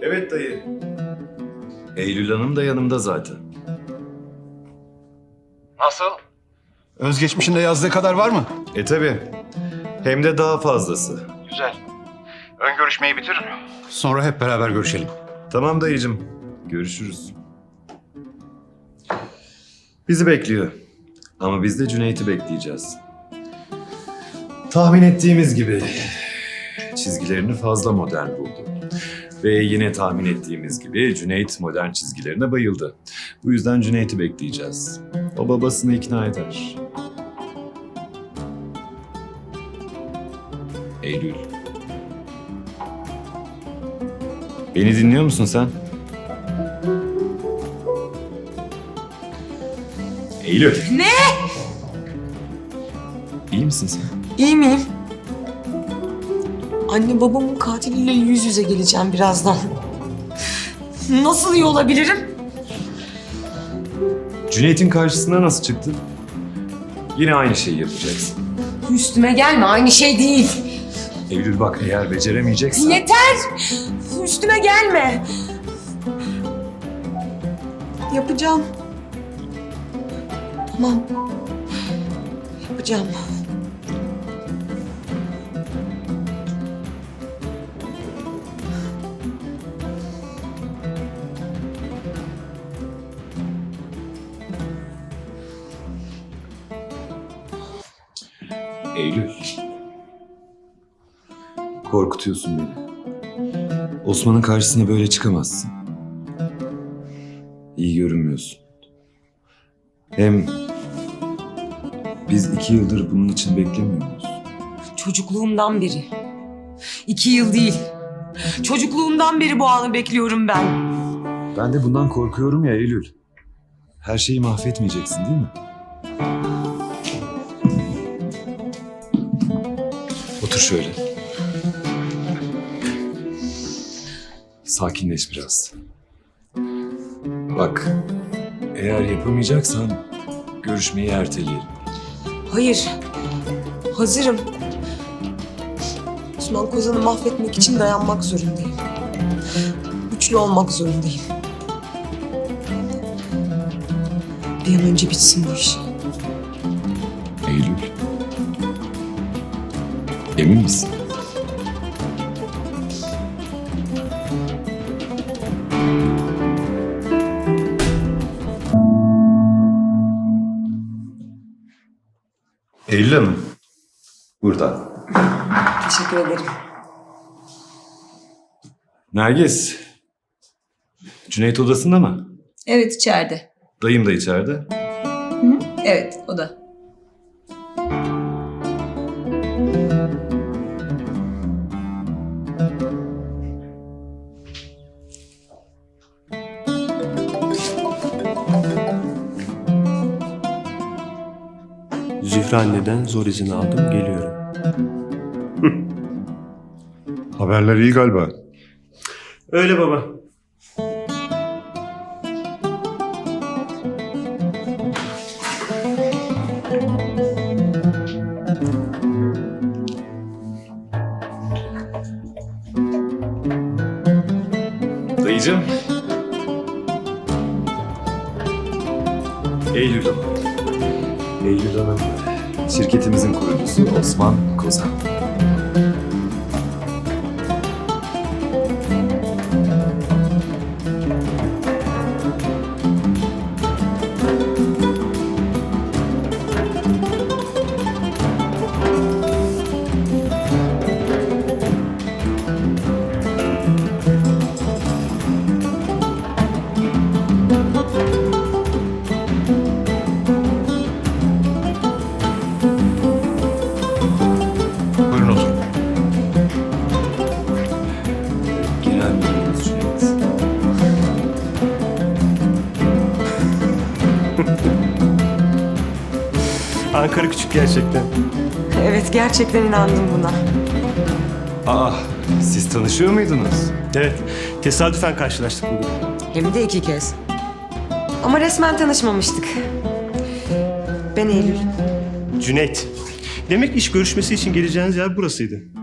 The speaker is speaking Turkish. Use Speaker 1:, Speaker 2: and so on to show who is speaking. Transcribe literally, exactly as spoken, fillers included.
Speaker 1: Evet dayı. Eylül Hanım da yanımda zaten.
Speaker 2: Nasıl?
Speaker 3: Özgeçmişinde yazdığı kadar var mı?
Speaker 1: E tabi. Hem de daha fazlası.
Speaker 2: Güzel. Ön görüşmeyi bitir.
Speaker 3: Sonra hep beraber görüşelim.
Speaker 1: Tamam dayıcım. Görüşürüz. Bizi bekliyor. Ama biz de Cüneyt'i bekleyeceğiz. Tahmin ettiğimiz gibi çizgilerini fazla modern buldu. Ve yine tahmin ettiğimiz gibi Cüneyt modern çizgilerine bayıldı. Bu yüzden Cüneyt'i bekleyeceğiz. O babasını ikna eder. Eylül. Beni dinliyor musun sen? Eylül.
Speaker 4: Ne?
Speaker 1: İyi misin sen?
Speaker 4: İyi miyim? Anne babamın katiliyle yüz yüze geleceğim birazdan. Nasıl iyi olabilirim?
Speaker 1: Cüneyt'in karşısına nasıl çıktın? Yine aynı şeyi yapacaksın.
Speaker 4: Üstüme gelme, aynı şey değil.
Speaker 1: Eylül bak, eğer beceremeyeceksen...
Speaker 4: Yeter! Üstüme gelme. Yapacağım. Tamam. Yapacağım.
Speaker 1: Eylül. Korkutuyorsun beni. Osman'ın karşısına böyle çıkamazsın. İyi görünmüyorsun. Hem biz iki yıldır bunun için beklemiyor muyuz?
Speaker 4: Çocukluğumdan beri. İki yıl değil. Çocukluğumdan beri bu anı bekliyorum ben.
Speaker 1: Ben de bundan korkuyorum ya Eylül. Her şeyi mahvetmeyeceksin değil mi? Otur şöyle. Sakinleş biraz. Bak, eğer yapamayacaksan görüşmeyi erteleyelim.
Speaker 4: Hayır. Hazırım. Osman Kozan'ı mahvetmek için dayanmak zorundayım. Güçlü olmak zorundayım. Bir an önce bitsin bu iş.
Speaker 1: Eylül. Emin misin? Eylül Hanım. Burada.
Speaker 4: Teşekkür ederim.
Speaker 1: Nergis. Cüneyt odasında mı?
Speaker 5: Evet, içeride.
Speaker 1: Dayım da içeride.
Speaker 5: Hı? Evet, o da.
Speaker 6: Zühre anneden zor izin aldım, geliyorum.
Speaker 3: Haberler iyi galiba.
Speaker 6: Öyle baba.
Speaker 1: Dayıcığım. Eylül Hanım. Eylül Hanım. Şirketimizin kurucusu Osman Kozan.
Speaker 3: Buyurun oturun.
Speaker 1: Genel müdürümüz Cüneyt.
Speaker 6: Ankara küçük gerçekten.
Speaker 4: Evet, gerçekten inandım buna.
Speaker 1: Aa, siz tanışıyor muydunuz?
Speaker 6: Evet, tesadüfen karşılaştık bugün.
Speaker 4: Hem de iki kez. Ama resmen tanışmamıştık. Ben Eylül.
Speaker 6: Cüneyt. Demek iş görüşmesi için geleceğiniz yer burasıydı.